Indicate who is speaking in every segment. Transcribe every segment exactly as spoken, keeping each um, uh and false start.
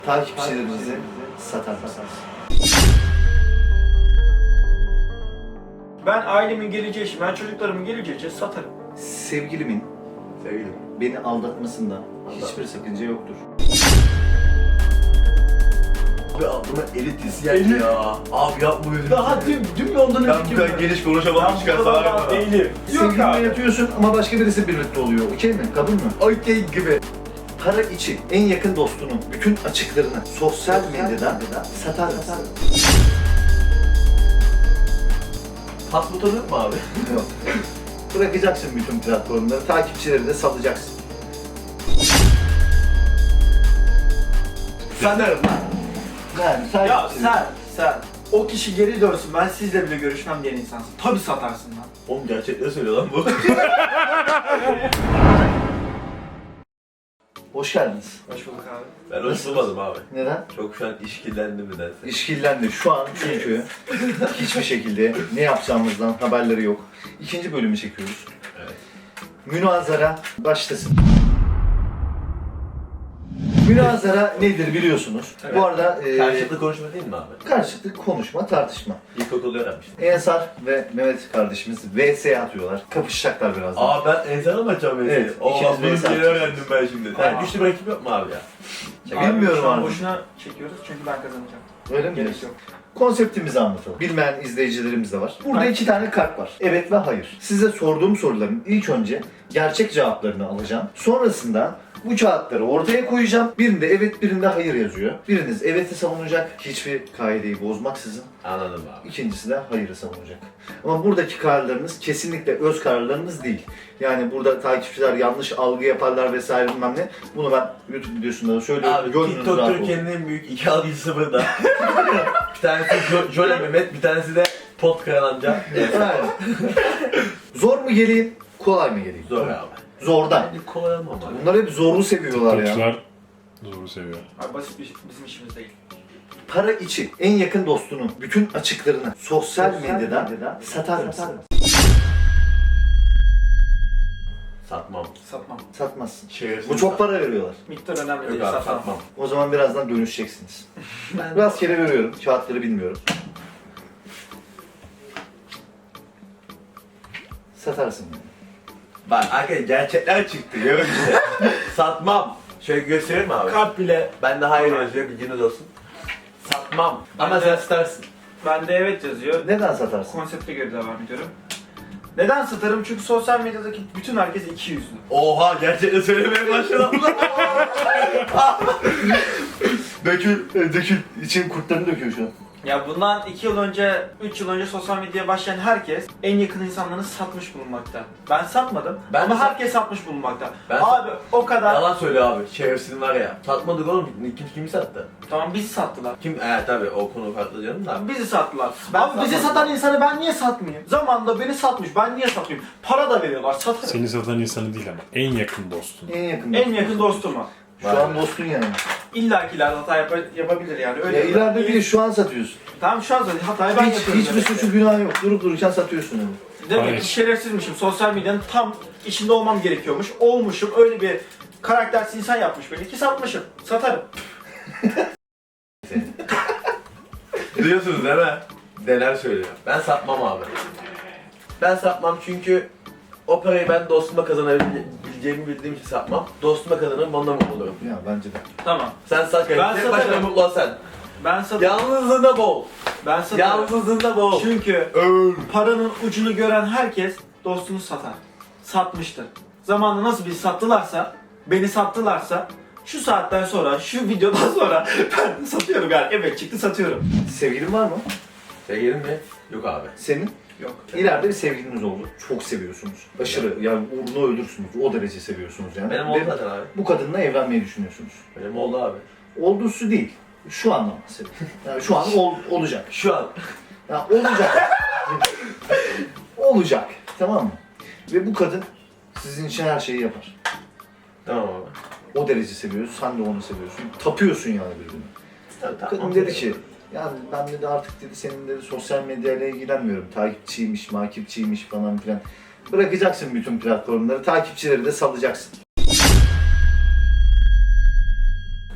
Speaker 1: Takipçilerinizi satar mısınız?
Speaker 2: Ben ailemin geleceği için, ben çocuklarımın geleceği için satarım.
Speaker 1: Sevgilimin
Speaker 3: Sevgilim.
Speaker 1: beni aldatmasında hiçbir sakınca yoktur.
Speaker 3: Abi aklıma elit isyan ya. Abi yapma öyle.
Speaker 2: Daha dün, dün ondan
Speaker 3: Ben bu kadar geniş konuşamam çıkarsa var mı?
Speaker 2: değilim. Yok
Speaker 1: Sevgilinle
Speaker 2: abi.
Speaker 1: yatıyorsun ama başka birisi birlikte oluyor. Okey mi? Kabul mü?
Speaker 3: Okey gibi.
Speaker 1: Para için en yakın dostunun bütün açıklarını sosyal medyadan satar mısın?
Speaker 3: Pas butonu yok mu abi?
Speaker 1: Yok. Bırakacaksın bütün platformları, takipçileri de salacaksın.
Speaker 3: Sanırım lan.
Speaker 1: Yani
Speaker 2: Ya
Speaker 1: takipçileri...
Speaker 2: sen, sen o kişi geri dönsün, ben sizle bile görüşmem diyen insansın. Tabii satarsın lan.
Speaker 3: Oğlum gerçekten söylüyor lan bu.
Speaker 1: Hoş geldiniz.
Speaker 2: Hoş bulduk abi.
Speaker 3: Ben hoş bulmadım abi.
Speaker 1: Neden?
Speaker 3: Çok şu an işkillendim nedense.
Speaker 1: İşkillendi. Şu an çünkü hiçbir şekilde ne yapacağımızdan haberleri yok. İkinci bölümü çekiyoruz.
Speaker 3: Evet.
Speaker 1: Münazara başlasın. Münazara nedir biliyorsunuz.
Speaker 3: Evet.
Speaker 1: Bu arada e,
Speaker 3: Karşılıklı konuşma değil mi abi?
Speaker 1: karşılıklı konuşma, tartışma.
Speaker 3: İlkokulda öğrenmiştim.
Speaker 1: Ensar ve Mehmet kardeşimiz V S atıyorlar. Kapışacaklar birazdan.
Speaker 3: Aa ben ensana mı açacağım mesleği?
Speaker 1: Evet,
Speaker 3: Oo
Speaker 1: ikiniz
Speaker 3: bunu
Speaker 1: mesaj
Speaker 3: yeni
Speaker 1: atıyorsunuz.
Speaker 3: öğrendim ben şimdi.
Speaker 2: Aa.
Speaker 3: Yani güçlü bir rakip yok mu abi ya?
Speaker 1: Bilmiyorum
Speaker 2: Abi, şu an
Speaker 1: abi.
Speaker 2: boşuna çekiyoruz çünkü ben kazanacağım.
Speaker 1: Öyle mi
Speaker 2: Gerek
Speaker 1: diyorsun?
Speaker 2: yok.
Speaker 1: Konseptimizi anlatalım. Bilmeyen izleyicilerimiz de var. Burada
Speaker 2: Hayır.
Speaker 1: iki tane kart var. Evet ve hayır. Size sorduğum soruların ilk önce gerçek cevaplarını alacağım. Sonrasında bu kağıtları ortaya koyacağım. Birinde evet, birinde hayır yazıyor. Biriniz evet'i savunacak. Hiçbir kaideyi bozmaksızın.
Speaker 3: Anladım abi.
Speaker 1: İkincisi de hayırı savunacak. Ama buradaki kararlarınız kesinlikle öz kararlarınız değil. Yani burada takipçiler yanlış algı yaparlar vesaire bilmem ne. Bunu ben YouTube videosunda da söylüyorum.
Speaker 3: Abi
Speaker 1: Gönlünüz
Speaker 3: TikTok
Speaker 1: rahat olsun.
Speaker 3: Türkiye'nin en büyük iki algıcısı burada. Bir tanesi jo Jole Mehmet, bir tanesi de Pot Kayan amca.
Speaker 1: Aynen. Zor mu geleyim, kolay mı geleyim?
Speaker 3: Zor abi.
Speaker 1: Zordan.
Speaker 3: Bence kolay ama abi.
Speaker 1: Bunlar hep zorlu seviyorlar ya.
Speaker 4: Topçular zoru seviyor.
Speaker 2: Abi basit bir, bizim işimiz değil.
Speaker 1: Para için en yakın dostunun bütün açıklarını sosyal,
Speaker 2: Sosyal
Speaker 1: medyadan,
Speaker 2: medyadan
Speaker 1: satar mısın?
Speaker 3: Satmam.
Speaker 2: Satmam.
Speaker 1: Satmazsın.
Speaker 3: Şerefsiz
Speaker 1: Bu çok
Speaker 3: satmam.
Speaker 1: para veriyorlar.
Speaker 2: Miktar önemli
Speaker 3: Yok
Speaker 2: değil,
Speaker 3: abi
Speaker 2: satmam.
Speaker 3: satmam.
Speaker 1: O zaman birazdan dönüşeceksiniz.
Speaker 2: Ben
Speaker 1: Rastgele veriyorum. Kağıtları bilmiyorum. Satarsın yani.
Speaker 3: Bak arkadaşlar gerçekler çıktı. Görün işte. Satmam. Şöyle göstereyim mi abi?
Speaker 2: Kart bile.
Speaker 3: Ben de hayır yazıyor, bilginiz olsun. Satmam. Ama
Speaker 2: Ben de-
Speaker 3: sen satarsın.
Speaker 2: Bende evet yazıyor.
Speaker 1: Neden satarsın?
Speaker 2: Konsepte göre devam ediyorum. Neden satarım? Çünkü sosyal medyadaki bütün herkes iki yüzlü.
Speaker 3: Oha gerçekten söylemeye başladım.
Speaker 1: Dökül, e, dökül. İçin kurtlarını döküyor şu an.
Speaker 2: Ya bundan iki yıl önce, üç yıl önce sosyal medyaya başlayan herkes en yakın insanlarını satmış bulunmakta. Ben satmadım
Speaker 3: Ben
Speaker 2: ama
Speaker 3: de sat-
Speaker 2: herkes satmış bulunmakta.
Speaker 3: Ben
Speaker 2: Abi o kadar.
Speaker 3: Yalan söylüyor abi. Şerefsiz var ya. Satmadık oğlum. Kim kimi sattı?
Speaker 2: Tamam bizi sattılar.
Speaker 3: Kim? Ee tabii o konu farklı canım da.
Speaker 2: Bizi sattılar.
Speaker 3: Ben
Speaker 2: Abi bizi
Speaker 3: satmadım.
Speaker 2: satan insanı ben niye satmayayım? Zamanında beni satmış, ben niye satmayayım? Para da veriyorlar, satarım.
Speaker 4: Seni satan insanı değil ama en yakın dostun.
Speaker 1: En yakın
Speaker 2: En
Speaker 1: dostun.
Speaker 2: yakın dostuma.
Speaker 1: Şu
Speaker 3: Var
Speaker 1: an
Speaker 3: mı?
Speaker 1: dostun yani.
Speaker 2: İlla ki ileride hata yap- yapabilir yani. Öyle
Speaker 1: Ya ileride biri şu an satıyorsun.
Speaker 2: Tamam şu an zaten hatayı ben
Speaker 1: Hiç,
Speaker 2: yapıyorum.
Speaker 1: hiçbir
Speaker 2: demek ki.
Speaker 1: suçu günah yok. Durup dururken satıyorsun onu.
Speaker 2: Demek
Speaker 4: Hayır.
Speaker 2: ki şerefsizmişim. Sosyal medyanın tam içinde olmam gerekiyormuş. Olmuşum. Öyle bir karaktersiz insan yapmış beni ki satmışım. Satarım.
Speaker 3: Duyuyorsunuz değil mi? Neler söylüyor. Ben satmam abi. Ben satmam çünkü o parayı ben dostuma kazanabileceğimi bildiğim için satmam. Dostuma kazanırım, onunla mutlu olurum.
Speaker 1: Ya bence de.
Speaker 2: Tamam.
Speaker 3: Sen sat
Speaker 2: Ben
Speaker 3: kanka. Tek başına
Speaker 2: satarım.
Speaker 3: mutlu ol sen.
Speaker 2: Ben satarım.
Speaker 3: Yalnızlığında bol.
Speaker 2: Ben satarım.
Speaker 3: Yalnızlığında bol.
Speaker 2: Çünkü
Speaker 3: Öl.
Speaker 2: paranın ucunu gören herkes dostunu satar. Satmıştır. Zamanında nasıl bir sattılarsa, beni sattılarsa şu saatten sonra, şu videodan sonra ben satıyorum yani. Evet çıktı satıyorum.
Speaker 1: Sevgilin var mı?
Speaker 3: Sevgilin mi? Yok abi.
Speaker 1: Senin?
Speaker 2: Yok.
Speaker 1: İleride bir sevgiliniz oldu. Çok seviyorsunuz. Aşırı yani uğruna ölürsünüz. O derece seviyorsunuz yani.
Speaker 3: Benim
Speaker 1: Ve
Speaker 3: oldu zaten abi.
Speaker 1: bu kadınla evlenmeyi düşünüyorsunuz.
Speaker 3: Benim oldu abi.
Speaker 1: Olduğusu değil. Şu anlamda seviyorum. Yani şu an ol, olacak.
Speaker 3: Şu an.
Speaker 1: Ya olacak. olacak. Tamam mı? Ve bu kadın sizin için her şeyi yapar.
Speaker 3: Tamam abi.
Speaker 1: O derece seviyorsun. Sen de onu seviyorsun. Tapıyorsun yani birbirine.
Speaker 3: Tamam,
Speaker 1: Kadın
Speaker 3: tamam.
Speaker 1: dedi ki, yani ben dedi artık dedi senin dedi sosyal medyayla ilgilenmiyorum. Takipçiymiş, makipçiymiş falan filan. Bırakacaksın bütün platformları, takipçileri de salacaksın.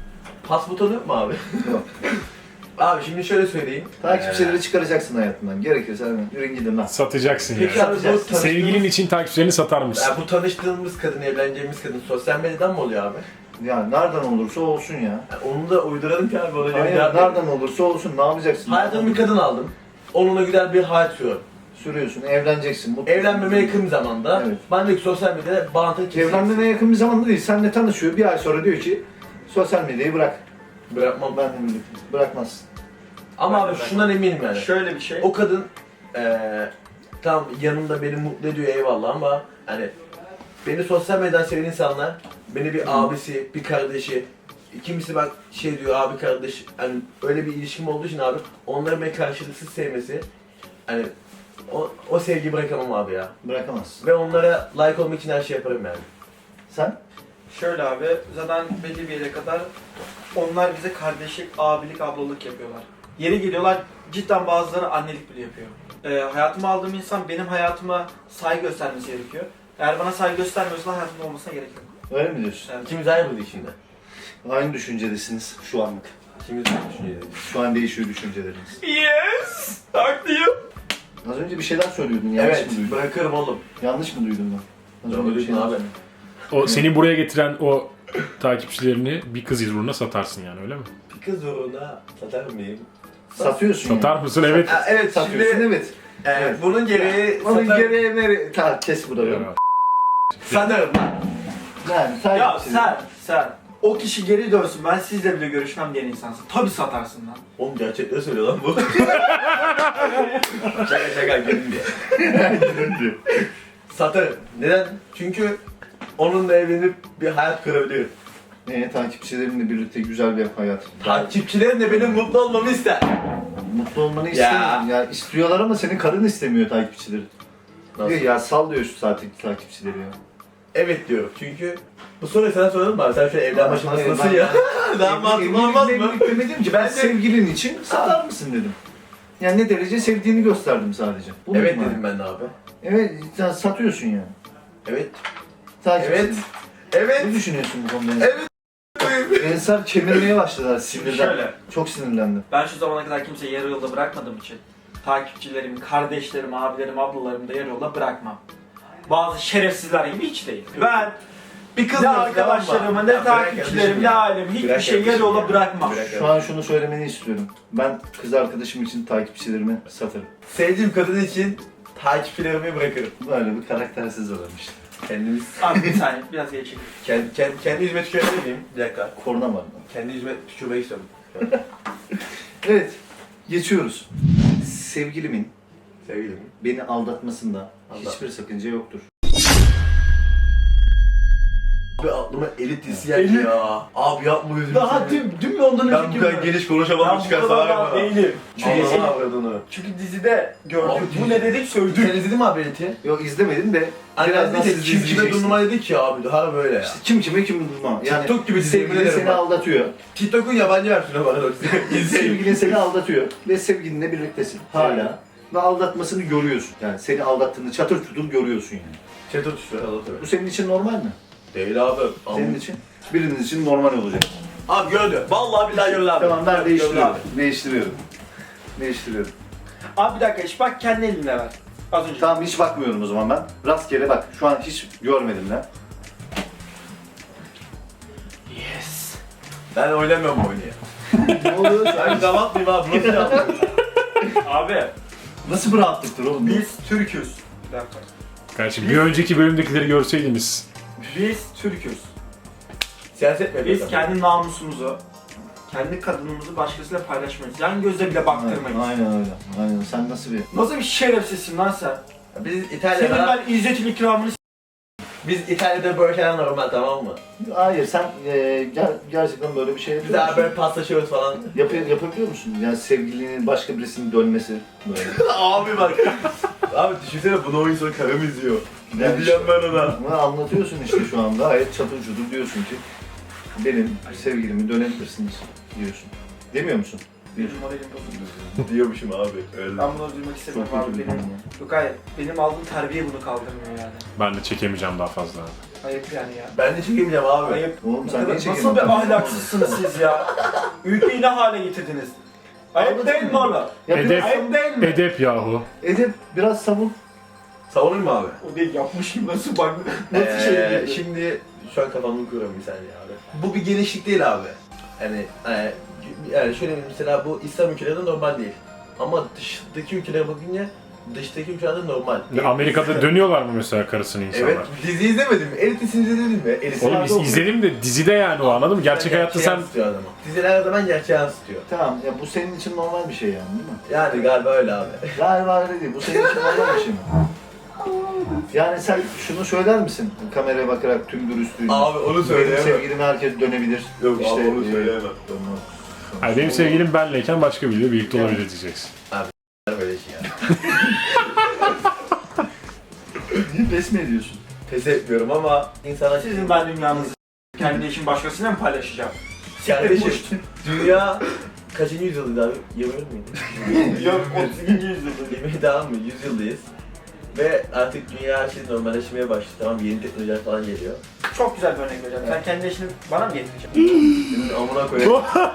Speaker 3: pas butonu yok mu abi?
Speaker 1: Yok.
Speaker 3: Abi şimdi şöyle söyleyeyim.
Speaker 1: Takipçileri çıkaracaksın hayatından. Gerekirse hemen yürün gidin lan.
Speaker 4: Satacaksın
Speaker 3: Peki
Speaker 4: yani.
Speaker 3: abi bu tanıştığımız,
Speaker 4: Sevgilin için takipçilerini satar mısın?
Speaker 3: yani bu tanıştığımız kadın, evleneceğimiz kadın sosyal medyadan mı oluyor abi?
Speaker 1: Ya nereden olursa olsun ya.
Speaker 3: Yani onu da uyduralım ki abi. Ona göre
Speaker 1: Hayır,
Speaker 3: cevap
Speaker 1: nereden olursa olsun ne yapacaksın?
Speaker 3: Hayatımda bir kadın aldım. Onunla güzel bir hayat sürüyorum.
Speaker 1: Sürüyorsun, evleneceksin. Mutlu.
Speaker 3: Evlenmeme yakın bir zamanda.
Speaker 1: Evet.
Speaker 3: Ben de sosyal medyada bağlantı kesin.
Speaker 1: Evlenmene yakın bir zamanda değil. Seninle tanışıyor. Bir ay sonra diyor ki sosyal medyayı bırak.
Speaker 3: Bırakmam.
Speaker 1: Ben de birlikte. Bırakmazsın.
Speaker 3: Ama
Speaker 2: Ben
Speaker 3: abi
Speaker 2: de bırakmam.
Speaker 3: şundan eminim yani.
Speaker 2: Şöyle bir şey.
Speaker 3: O kadın eee tam yanımda beni mutlu ediyor eyvallah ama hani beni sosyal medyadan seven insanlar beni bir abisi, bir kardeşi, kimisi bak şey diyor abi kardeş hani öyle bir ilişkim olduğu için abi onların beni karşılıksız sevmesi hani o, o sevgiyi bırakamam abi ya.
Speaker 1: Bırakamazsın.
Speaker 3: Ve onlara like olmak için her şey yaparım yani.
Speaker 1: Sen?
Speaker 2: Şöyle abi, zaten belli bir yere kadar onlar bize kardeşlik, abilik, ablalık yapıyorlar. Yeri geliyorlar, cidden bazıları annelik bile yapıyor. Ee, hayatıma aldığım insan benim hayatıma saygı göstermesi gerekiyor. Eğer bana saygı göstermiyorsa hayatımda olmasına gerek yok.
Speaker 1: Öyle mi diyorsun?
Speaker 2: Evet.
Speaker 3: İkimiz aynı burada içinde.
Speaker 1: Aynı düşüncedesiniz şu anlık.
Speaker 3: İkimiz aynı düşüncedeyiz.
Speaker 1: Şu an değişiyor düşünceleriniz.
Speaker 2: Yes! Haklıyım.
Speaker 1: Az önce bir şeyler söylüyordun. Yanlış
Speaker 3: Evet,
Speaker 1: mı duydum?
Speaker 3: bırakırım oğlum.
Speaker 1: Yanlış mı duydum ben? Az
Speaker 3: Doğru
Speaker 1: önce bir
Speaker 3: duydun abi.
Speaker 1: söyledin.
Speaker 4: O seni buraya getiren o takipçilerini bir kız uğruna satarsın yani öyle mi?
Speaker 3: Bir kız uğruna satar mıyım?
Speaker 1: Satıyorsun
Speaker 4: Satar
Speaker 1: yani.
Speaker 4: mısın? Evet.
Speaker 3: Ha, evet,
Speaker 1: Satıyorsun
Speaker 3: şimdi
Speaker 1: evet.
Speaker 3: e,
Speaker 1: Evet.
Speaker 3: bunun gereği
Speaker 1: Onun
Speaker 3: satar...
Speaker 1: gereği nere? Ta kes burayı.
Speaker 4: Ya.
Speaker 3: Satarım lan.
Speaker 1: Yani sen
Speaker 2: Ya sen, sen. O kişi geri dönsün, ben sizle bile görüşmem diyen insansın. Tabii satarsın lan.
Speaker 3: Oğlum gerçekleri söylüyor lan bu. şaka şaka gülüm diye. Satarım. Neden? Çünkü onunla evlenip bir hayat kurabilirim.
Speaker 1: Ee, takipçilerinle birlikte güzel bir hayat.
Speaker 3: Takipçilerim de benim mutlu olmamı ister.
Speaker 1: Mutlu olmanı
Speaker 3: Ya.
Speaker 1: istemiyorum. Ya istiyorlar ama senin karın istemiyor takipçileri.
Speaker 3: Nasıl?
Speaker 1: Diyor ya sal diyor şu zaten takipçileri ya.
Speaker 3: Evet diyorum çünkü bu soruyu sana soralım mı abi? Sen şu an evlen aşamasındasın
Speaker 1: Hayır,
Speaker 3: ya. Daha mantıklı olmaz mı?
Speaker 1: Evlilik demedim ki ben
Speaker 3: Ben de-
Speaker 1: sevgilin için satar mısın dedim. Yani ne derece sevdiğini gösterdim sadece. Bu
Speaker 3: Evet
Speaker 1: mudur
Speaker 3: dedim ben de abi.
Speaker 1: Evet, sen satıyorsun yani.
Speaker 3: Evet.
Speaker 1: Takipçi-
Speaker 3: Evet. Evet.
Speaker 1: Ne düşünüyorsun bu konuda?
Speaker 3: Evet.
Speaker 1: Ensar kemirmeye başladılar sinirden.
Speaker 2: Şöyle.
Speaker 1: Çok sinirlendim.
Speaker 2: Ben şu zamana kadar kimseyi yarı yolda bırakmadığım için takipçilerimi, kardeşlerim, abilerim, ablalarımı da yarı yolda bırakmam. Bazı şerefsizler gibi hiç değil. Ben
Speaker 3: Bir kız
Speaker 2: ne
Speaker 3: diyorsun,
Speaker 2: arkadaşlarımı,
Speaker 3: tamam mı?
Speaker 2: ne
Speaker 3: Ya bırak
Speaker 2: takipçilerimi,
Speaker 3: kardeşim
Speaker 2: ne
Speaker 3: ya.
Speaker 2: ailemi hiçbir
Speaker 3: Bırak
Speaker 2: şey yarı
Speaker 3: kardeşim
Speaker 2: yolda
Speaker 3: ya.
Speaker 2: bırakmam.
Speaker 3: Bırak
Speaker 1: Şu an şunu söylemeni istiyorum. Ben kız arkadaşım için takipçilerimi satarım.
Speaker 3: Sevdiğim kadın için takipçilerimi bırakırım.
Speaker 1: Böyle bir karaktersiz adam işte.
Speaker 3: Kendimiz...
Speaker 2: Abi bir saniye, biraz geri çekil.
Speaker 3: Kendi, kendi, kendi yüzüme tükürebilir miyim? Bir dakika.
Speaker 1: Korna var.
Speaker 3: Kendi yüzüme tükürmek istiyorum.
Speaker 1: Evet, geçiyoruz. Sevgilimin
Speaker 3: Sevgilim.
Speaker 1: beni aldatmasında
Speaker 3: Aldat.
Speaker 1: hiçbir sakınca yoktur.
Speaker 3: Abi aklıma elit dizisi geldi ya. Abi yapma yüzümü.
Speaker 2: Daha dün, dün mü ondan
Speaker 3: Ben bu kadar geniş konuşamam çıkarsa var ya bana.
Speaker 2: değilim. Çünkü,
Speaker 3: Allah'ın avradını.
Speaker 2: çünkü dizide gördük.
Speaker 3: Abi
Speaker 2: Bu
Speaker 3: dizi-
Speaker 2: ne dedik
Speaker 3: Sen
Speaker 2: sövdük.
Speaker 3: izledin mi abi eliti?
Speaker 1: Yok izlemedim de
Speaker 3: Hani
Speaker 1: birazdan
Speaker 3: ben de
Speaker 1: siz
Speaker 3: kim kime
Speaker 1: izleyeceksiniz.
Speaker 3: durma dedik ya abi. Daha böyle ya.
Speaker 1: İşte kim kime kim durma. Yani
Speaker 3: TikTok gibi dizi, yemin
Speaker 1: sevgilin
Speaker 3: ederim
Speaker 1: seni
Speaker 3: bak.
Speaker 1: aldatıyor.
Speaker 3: TikTok'un yabancı versiyonu var. İzleyin.
Speaker 1: Sevgilin seni aldatıyor ve sevgilinle birliktesin hala. Ve aldatmasını görüyorsun. Yani seni aldattığını çatır çutur görüyorsun yani.
Speaker 3: Çatır tuşları anlatıyor.
Speaker 1: Bu senin için normal mi?
Speaker 3: Değil abi.
Speaker 1: Senin
Speaker 3: Ama-
Speaker 1: için? Biriniz için normal olacak.
Speaker 3: Abi gördü. Vallahi billahi gördü abi.
Speaker 1: Tamam ben
Speaker 3: Gördü
Speaker 1: değiştiriyorum.
Speaker 3: abi.
Speaker 1: Değiştiriyorum. Değiştiriyorum.
Speaker 2: Abi bir dakika, iş bak kendi elinle ver. Az önce.
Speaker 1: Tamam hiç bakmıyorum o zaman ben. Rastgele bak. Şu an hiç görmedim ben.
Speaker 2: Yes.
Speaker 3: Ben oynamıyorum bu oyunu ya.
Speaker 1: Ne oluyor?
Speaker 3: Ben damat mıyım abi? Nasıl yaptın?
Speaker 2: Abi
Speaker 1: Nasıl bir rahatlıktır oğlum? bu?
Speaker 2: biz Türk'üz. Bir dakika.
Speaker 4: Kardeşim bir önceki bölümdekileri görseydiniz.
Speaker 2: Biz Türk'üz.
Speaker 3: Siyaset mi
Speaker 2: Biz
Speaker 3: yapıyorsun?
Speaker 2: kendi namusumuzu, kendi kadınımızı başkasıyla paylaşmayız. Yan gözle bile baktırmayız.
Speaker 1: Aynen öyle. Aynen. Sen nasıl bir...
Speaker 2: Nasıl bir şerefsizsin lan sen?
Speaker 3: Biz
Speaker 2: Senin
Speaker 3: İtalya'da,
Speaker 2: ben izzetin ikramını s-
Speaker 3: biz İtalya'da böyle şeyler normal tamam mı?
Speaker 1: Hayır sen e, ger- gerçekten böyle bir şey
Speaker 3: Biz
Speaker 1: yapıyor
Speaker 3: daha
Speaker 1: musun?
Speaker 3: böyle paslaşıyoruz falan.
Speaker 1: Yap yapabiliyor musun? Yani sevgilinin başka birisinin dönmesi böyle.
Speaker 3: Abi bak. Abi düşünsene bunu oyun sonu karım izliyor. Ne
Speaker 1: Yani
Speaker 3: diyeceğim ben ona?
Speaker 1: Ama anlatıyorsun işte şu anda gayet çatır çutur diyorsun ki benim sevgilimi dönebilirsiniz diyorsun. Demiyor musun? Bir.
Speaker 2: Moralim bozuldu.
Speaker 3: Diyormuşum abi. Öyle.
Speaker 2: Ben bunu duymak istemiyorum
Speaker 1: Çok
Speaker 2: abi.
Speaker 1: kötü bir
Speaker 2: Benim,
Speaker 1: durum ya.
Speaker 2: yok hayır. Benim aldığım terbiye bunu kaldırmıyor yani.
Speaker 4: Ben de çekemeyeceğim daha fazla.
Speaker 2: Ayıp yani ya.
Speaker 3: Ben de çekemeyeceğim abi.
Speaker 2: Ayıp.
Speaker 1: Oğlum sen
Speaker 2: Nasıl-
Speaker 1: niye
Speaker 2: Nasıl
Speaker 1: çekemiyorsun?
Speaker 2: bir ahlaksızsınız siz ya? Ülkeyi ne hale getirdiniz? Ayıp değil mi oğlum?
Speaker 1: Ya
Speaker 4: Edep.
Speaker 1: biraz,
Speaker 2: Ayıp değil mi?
Speaker 4: Edep yahu.
Speaker 1: Edip biraz savun.
Speaker 3: Savunayım mı abi?
Speaker 2: O değil yapmışım nasıl bak nasıl şey
Speaker 3: Ee,
Speaker 2: değil.
Speaker 3: şimdi şu an kafamı kuruyorum bir saniye abi. Bu bir genişlik değil abi. Yani, e, yani şöyle mesela bu İslam ülkelerinde normal değil. Ama dıştaki ülkelere bakınca dıştaki ülkelerde normal.
Speaker 4: Amerika'da dönüyorlar mı mesela karısını insanlar?
Speaker 3: Evet, dizi izlemedim mi? Elit'ini izledin mi? Elit'ini
Speaker 4: Oğlum iz- izledim de dizide yani o, anladın mı? Gerçek hayatta sen...
Speaker 3: yansıtıyor adamı. Diziler her zaman gerçeği yansıtıyor.
Speaker 1: Tamam ya bu senin için normal bir şey yani değil mi?
Speaker 3: Yani galiba öyle abi.
Speaker 1: Galiba öyle değil. Bu senin için normal bir şey mi? Yani sen şunu söyler misin? Kameraya bakarak tüm dürüstlüğünü.
Speaker 3: Abi onu
Speaker 1: Benim
Speaker 3: söyleyemem.
Speaker 1: sevgilim herkes dönebilir.
Speaker 3: Yok abi, onu
Speaker 1: e,
Speaker 3: söyleyemem.
Speaker 1: dönmez.
Speaker 4: Hayır, benim sevgilim benleyken başka biriyle birlikte olabilir diyeceksin.
Speaker 3: Böyle şey ya.
Speaker 1: Niye pes mi ediyorsun?
Speaker 3: Pes etmiyorum ama insana
Speaker 2: Sizin ben dünyanızı kendi işin başkasıyla mı paylaşacağım?
Speaker 3: kardeşim dünya kaçıncı yüzyıldaydı abi? yirmi miydi?
Speaker 2: Yok otuz ikinci yüzyılda.
Speaker 3: yirmi daha mı? yüzyıldayız. Ve artık dünya her şey normalleşmeye başladı. Tamam, yeni teknolojiler falan geliyor.
Speaker 2: Çok güzel bir örnek vereceğim. Sen kendi işini bana mı getireceksin?
Speaker 3: Şimdi amına koyayım.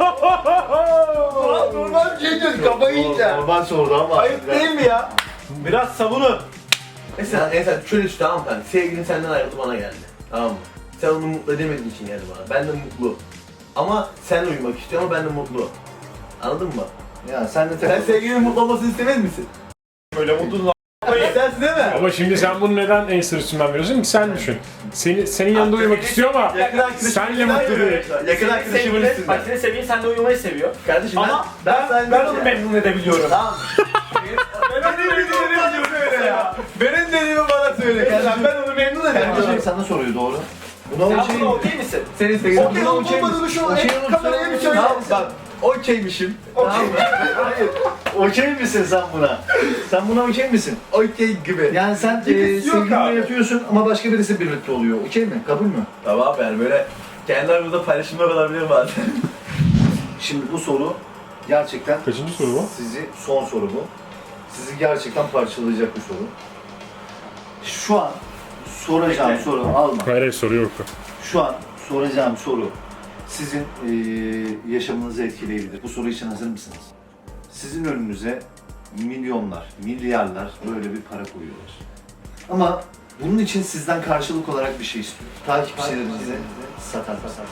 Speaker 2: Normal bir şey diyorsun kafayı yiyeceğim.
Speaker 1: Normal sordu ama.
Speaker 2: Ayıp değil mi ya? Biraz savunun.
Speaker 3: Mesela, mesela şöyle düşün, tamam mı? Sevgilin senden ayrıldı, bana geldi. Tamam mı? Sen onu mutlu edemediğin için geldi bana. Ben de mutlu. Ama sen uyumak istiyor ama ben de mutlu. Anladın mı?
Speaker 1: Ya sen de
Speaker 3: Sen
Speaker 1: takıl.
Speaker 3: sevgilinin mutlu olmasını istemez misin?
Speaker 2: Böyle mutlu
Speaker 3: İstersin değil mi?
Speaker 4: Ama şimdi sen bunu neden en üstünden veriyorsun ki? Sen düşün. Seni, senin yanında uyumak istiyor ama
Speaker 3: Yakın arkadaşım.
Speaker 4: senle mutlu değil.
Speaker 3: Yakın arkadaşımın
Speaker 2: Bak
Speaker 3: üstünden.
Speaker 2: senin sevgilin seninle uyumayı seviyor.
Speaker 3: Kardeşim
Speaker 2: Ama ben, ben, ben onu memnun edebiliyorum.
Speaker 3: Tamam.
Speaker 2: Ben onu memnun edebiliyorum ya.
Speaker 3: Benim dediğimi bana söyle
Speaker 2: Mesela
Speaker 3: kardeşim.
Speaker 2: ben onu memnun
Speaker 1: Kardeşim
Speaker 2: edebiliyorum.
Speaker 1: sana soruyor doğru. Buna
Speaker 2: Sen
Speaker 1: okey
Speaker 2: buna
Speaker 1: mi?
Speaker 2: okey misin?
Speaker 3: Senin sevgilin
Speaker 2: Okey
Speaker 3: buna
Speaker 2: olup olmadığını şu an
Speaker 1: Okey
Speaker 2: hep
Speaker 1: olup
Speaker 2: kameraya bir söyle.
Speaker 3: Tamam bak. Okeymişim.
Speaker 2: Okey.
Speaker 3: Tamam mı?
Speaker 1: Hayır. Okey misin sen buna? Sen buna okey misin?
Speaker 3: Okey gibi.
Speaker 1: Yani sen e,
Speaker 2: Birisi yok
Speaker 1: sevgilinle
Speaker 2: abi.
Speaker 1: yatıyorsun ama başka birisi birlikte oluyor. Okey mi? Kabul mü?
Speaker 3: Tamam yani böyle kendi aramızda paylaşımlar olabilir bazen.
Speaker 1: Şimdi bu soru gerçekten
Speaker 4: Kaçıncı soru bu?
Speaker 1: sizi son soru bu. Sizi gerçekten parçalayacak bir soru. Şu an soracağım
Speaker 2: Bekle.
Speaker 1: soru alma.
Speaker 4: Hayır hayır, soru yok.
Speaker 1: Şu an soracağım soru sizin eee, yaşamınızı etkileyebilir. Bu soru için hazır mısınız? Sizin önünüze milyonlar, milyarlar böyle bir para koyuyorlar. Ama bunun için sizden karşılık olarak bir şey istiyor. Takipçilerinizi satar satar.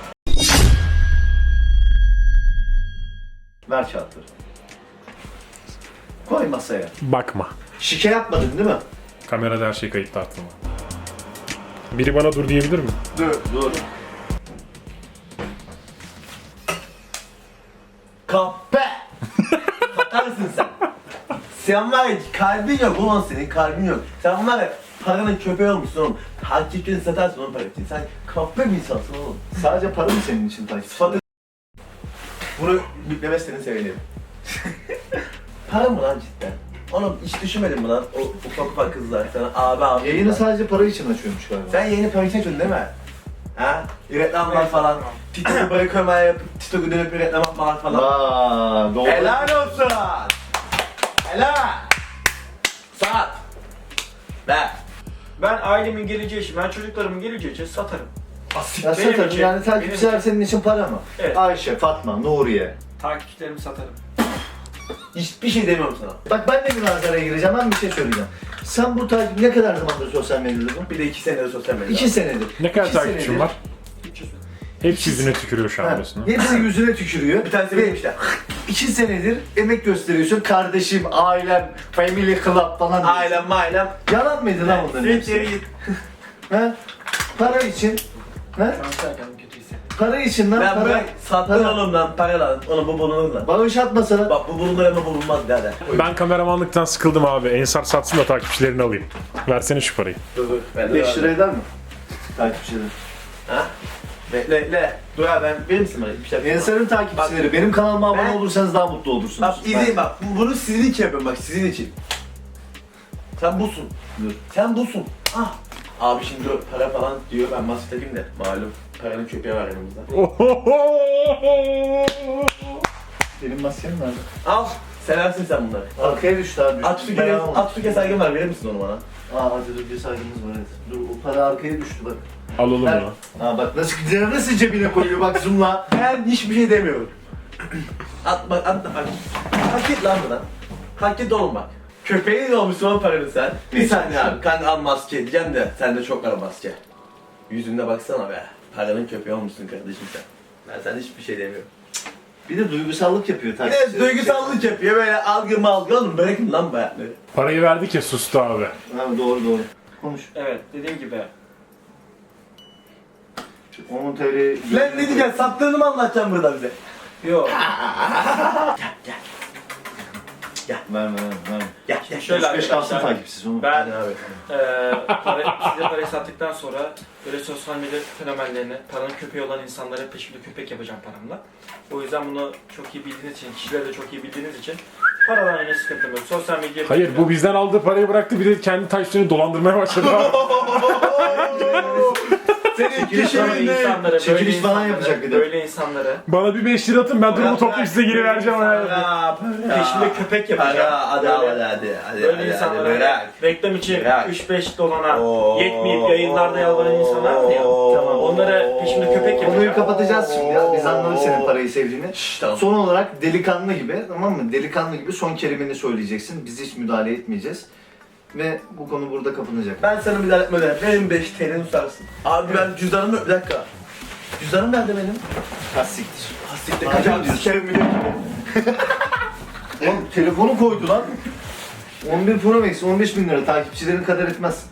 Speaker 1: Ver kağıtları. Koy masaya.
Speaker 4: Bakma.
Speaker 1: Şike yapmadın değil mi?
Speaker 4: Kamerada her şey kayıtlı aklıma. Biri bana dur diyebilir mi?
Speaker 1: Dur. Dur.
Speaker 3: Kahpe! Satarsın sen. Sen var ya, kalbin yok ulan, senin kalbin yok. Sen var ya, paranın köpeği olmuşsun oğlum. Takipçini satarsın onun parası için. Sen kahpe bir insansın oğlum.
Speaker 1: Sadece para mı senin için takipçi?
Speaker 3: Sıfatı... Bunu biplemezseniz sevinirim. Para mı lan cidden? Oğlum hiç düşünmedin mi lan o ufak ufak kızlar sana abi abi.
Speaker 1: Yayını sadece para için açıyormuş galiba.
Speaker 3: Sen yeni para için açıyorsun değil mi? Ha? Reklamlar falan. TikTok'u bırakmaya yapıp TikTok'u dönüp reklam yapmalar falan.
Speaker 1: Aa, doğru.
Speaker 3: Helal olsun. Helal. Sat. Ver.
Speaker 2: Ben ailemin geleceği için, ben çocuklarımın geleceği için satarım.
Speaker 1: Ya
Speaker 2: Benim
Speaker 1: satarım
Speaker 2: için-
Speaker 1: yani takipçiler senin için para mı?
Speaker 2: Evet.
Speaker 1: Ayşe, Fatma, Nuriye.
Speaker 2: Takipçilerimi satarım.
Speaker 3: Hiçbir şey demiyorum sana.
Speaker 1: Bak ben de münazaraya gireceğim, ben bir şey söyleyeceğim. Sen bu takip ne kadar zamandır sosyal medyada bu?
Speaker 3: Bir de iki senedir sosyal medyada.
Speaker 1: İki senedir.
Speaker 4: Ne kadar
Speaker 1: İki
Speaker 4: takipçim
Speaker 1: senedir.
Speaker 4: var?
Speaker 2: Hiç üzülme.
Speaker 4: Hepsi yüzüne tükürüyor şu an
Speaker 1: Ha,
Speaker 4: arasında.
Speaker 1: hepsi yüzüne tükürüyor.
Speaker 3: Bir tanesi
Speaker 1: Ve
Speaker 3: benim işte.
Speaker 1: iki senedir emek gösteriyorsun. Kardeşim, ailem, family club falan diyorsun.
Speaker 3: Ailem mailem.
Speaker 1: Yalan mıydı lan bunların
Speaker 3: Siktir
Speaker 1: hepsi?
Speaker 3: git.
Speaker 1: Ha? Para için. Ha?
Speaker 2: Şu an kendimi kötü hissediyorum.
Speaker 1: Para için lan
Speaker 3: Ben
Speaker 1: para.
Speaker 3: bırak sattın
Speaker 1: para.
Speaker 3: oğlum lan para lan. Onu bu bulunur lan.
Speaker 1: Bağış atmasana.
Speaker 3: Bak bu bulunur ama bulunmaz derler.
Speaker 4: Ben kameramanlıktan sıkıldım abi. Ensar satsın da takipçilerini alayım. Versene şu parayı.
Speaker 3: Dur dur. Ben de
Speaker 1: beş lira
Speaker 3: var.
Speaker 1: eder mi? Takipçiler.
Speaker 3: Ha? Bekle bekle. Dur abi ben verir misin bana bir şey yapayım.
Speaker 1: Ensar'ın takipçileri. Benim kanalıma abone
Speaker 3: Ben-
Speaker 1: olursanız daha mutlu olursunuz.
Speaker 3: Bak
Speaker 1: Ben-
Speaker 3: izleyin bak. Bu- Bunu sizin için yapıyorum bak sizin için. Sen busun.
Speaker 1: Dur.
Speaker 3: Sen busun. Ah. Abi şimdi o para falan diyor ben masaya de malum paranın köpeği var yanımızda.
Speaker 1: Benim maskem nerede?
Speaker 3: Al. Seversin sen bunları.
Speaker 1: Arkaya düştü abi.
Speaker 3: At su
Speaker 1: Ben
Speaker 3: kere,
Speaker 1: almadım.
Speaker 3: at su kesergen var, verir misin onu bana?
Speaker 1: Aa hadi dur bir saygımız var evet. Dur o para arkaya düştü bak.
Speaker 4: Alalım
Speaker 1: Ben-
Speaker 4: onu.
Speaker 1: Aa bak nasıl gidiyor, nasıl cebine koyuyor bak zoomla.
Speaker 3: Ben hiçbir şey demiyorum. At bak, at bak. Hak et lan buradan. Hak et oğlum bak. Köpeğin olmuşsun o paranı sen. Bir saniye abi, kanka al maske diyeceğim de sende çok var maske. Yüzünde baksana be. Paranın köpeği olmuşsun kardeşim sen. Ben sana hiçbir şey demiyorum.
Speaker 1: Bir de duygusallık yapıyor
Speaker 3: Bir
Speaker 1: takipçi.
Speaker 3: de duygusallık yapıyor böyle algı malgı oğlum, bırakın lan bu hayatları.
Speaker 4: Parayı verdik ya, sustu abi.
Speaker 1: Ha, doğru doğru. Konuş.
Speaker 2: Evet dediğim gibi.
Speaker 1: on T L.
Speaker 3: Lan ne diyeceksin, sattığını mı anlatacaksın burada bize?
Speaker 2: Yok.
Speaker 1: Verme verme verme.
Speaker 3: Gel gel.
Speaker 2: Şöyle
Speaker 1: üç beş kalsın
Speaker 2: arkadaşlar.
Speaker 1: takipsiz onu.
Speaker 2: Ben
Speaker 3: Hadi abi.
Speaker 2: Eee para, size parayı sattıktan sonra böyle sosyal medya fenomenlerini, paranın köpeği olan insanlara peşimde köpek yapacağım paramla. O yüzden bunu çok iyi bildiğiniz için, kişileri de çok iyi bildiğiniz için paradan yine sıkıntım yok. Sosyal medya...
Speaker 4: Hayır, bu bizden aldığı parayı bıraktı, bir de kendi takipçilerini dolandırmaya başladı abi.
Speaker 3: Senin
Speaker 1: Çekiliş
Speaker 2: Böyle
Speaker 3: kişiliğin
Speaker 2: insanlara,
Speaker 1: Çekiliş
Speaker 2: böyle
Speaker 1: falan
Speaker 2: insanlara,
Speaker 1: yapacak bir de.
Speaker 2: böyle insanlara
Speaker 4: Bana bir beş lira atın, ben durumu toplayıp size geri vereceğim.
Speaker 3: Para,
Speaker 4: ya.
Speaker 3: para.
Speaker 2: peşimde köpek yapacağım.
Speaker 3: Para, hadi
Speaker 2: Böyle-
Speaker 3: hadi hadi. Hadi
Speaker 2: Böyle
Speaker 3: hadi,
Speaker 2: insanlara
Speaker 3: hadi bırak.
Speaker 2: reklam için
Speaker 3: Bırak.
Speaker 2: üç beş dolana
Speaker 3: Oo.
Speaker 2: yetmeyip yayınlarda yalvaran insanlar var ya.
Speaker 3: Oo.
Speaker 2: Onlara peşimde köpek yapacağım.
Speaker 1: Konuyu kapatacağız şimdi ya. Biz anladık senin parayı sevdiğini.
Speaker 3: Şşş tamam.
Speaker 1: Son olarak delikanlı gibi, tamam mı? Delikanlı gibi son kelimeni söyleyeceksin. Biz hiç müdahale etmeyeceğiz. Ve bu konu burada kapanacak.
Speaker 3: Ben sana müdahale etmeden benim beş T L'ni tutarsın. Abi ben cüzdanımı, bir dakika. Cüzdanım nerede benim?
Speaker 1: Kastiktir.
Speaker 3: Hastikte
Speaker 1: Abi
Speaker 3: kaçan
Speaker 1: diyorsun.
Speaker 3: sikerim bile.
Speaker 1: Oğlum telefonu koydu lan. on bir Pro Max on beş bin lira takipçilerin kadar etmez.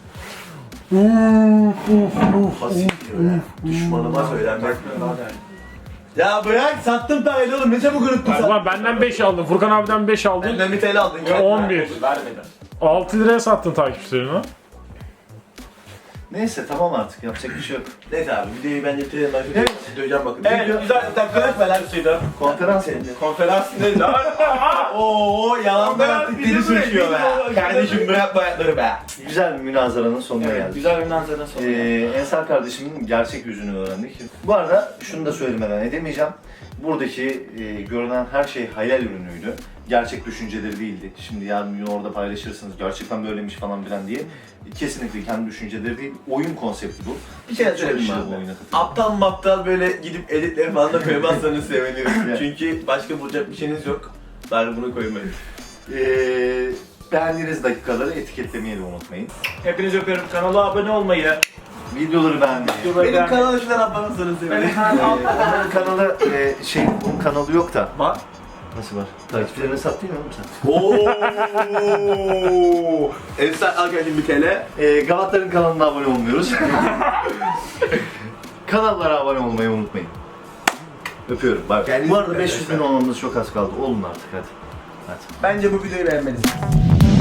Speaker 3: Hastik diyor ya. Düşmanıma söylenmek. Ya bırak, sattım parayı oğlum, ne çabuk unuttun sen.
Speaker 4: Ulan benden beş aldın, Furkan abiden beş aldın.
Speaker 3: Benden bir T L aldın.
Speaker 4: Ve on bir.
Speaker 2: Vermeden.
Speaker 4: altı liraya sattın takipçilerini.
Speaker 1: Neyse tamam artık yapacak bir şey yok.
Speaker 3: Neyse abi, videoyu ben getirelim, ben
Speaker 2: Evet.
Speaker 3: evet. döveceğim bakın.
Speaker 2: Evet,
Speaker 3: Video-
Speaker 2: güzel bir dakika verseydi.
Speaker 1: Konferans mı?
Speaker 2: Konferans ne lan?
Speaker 3: Oo yalandan
Speaker 2: Konferans
Speaker 3: artık
Speaker 2: video
Speaker 3: dili
Speaker 2: mu?
Speaker 3: sürçüyor
Speaker 2: Video
Speaker 3: be.
Speaker 2: mu?
Speaker 3: Kardeşim bırak bu ayakları be.
Speaker 1: Güzel bir münazaranın sonuna
Speaker 2: Evet,
Speaker 1: geldik.
Speaker 2: güzel bir manzara sonra.
Speaker 1: Ee, Ensar kardeşimin gerçek yüzünü öğrendik. Bu arada şunu da söylemeden edemeyeceğim. Buradaki e, görünen her şey hayal ürünüydü. Gerçek düşünceleri değildi. Şimdi yarın gün orada paylaşırsınız gerçekten böylemiş falan filan diye. Kesinlikle kendi düşünceleri değil. Oyun konsepti bu.
Speaker 3: Bir şey
Speaker 1: Çok
Speaker 3: söyleyeyim
Speaker 1: kişi de
Speaker 3: mi
Speaker 1: bu
Speaker 3: abi?
Speaker 1: oyuna katılıyor.
Speaker 3: Aptal maptal böyle gidip editleri falan da koymazsanız sevinirim.
Speaker 1: Evet.
Speaker 3: Çünkü başka bulacak bir şeyiniz yok. Bari bunu koymayın.
Speaker 1: Ee, beğendiğiniz dakikaları etiketlemeyi de unutmayın.
Speaker 2: Hepinizi öpüyorum. Kanala abone olmayı.
Speaker 1: Videoları beğenmeyi.
Speaker 2: videoları
Speaker 3: Benim
Speaker 2: beğenmeyi-
Speaker 3: kanala şuradan atlamanızı sevinirim.
Speaker 2: Benim
Speaker 1: Ee,
Speaker 2: kanal
Speaker 1: Onların kanalı e, şey, bunun kanalı yok da.
Speaker 2: var.
Speaker 1: Nasıl var? Takipçilerine sattın ya oğlum sen.
Speaker 3: Ooo. Ensar arkadaşım bir T L.
Speaker 1: Ee, Galatların kanalına abone olmuyoruz. Kanallara abone olmayı unutmayın. Öpüyorum. Bak.
Speaker 3: Kendinize
Speaker 1: Bu arada
Speaker 3: dikkat
Speaker 1: beş yüz bin
Speaker 3: edin.
Speaker 1: olmamız çok az kaldı. Olun artık hadi. Hadi.
Speaker 3: Bence bu videoyu beğenmelisiniz.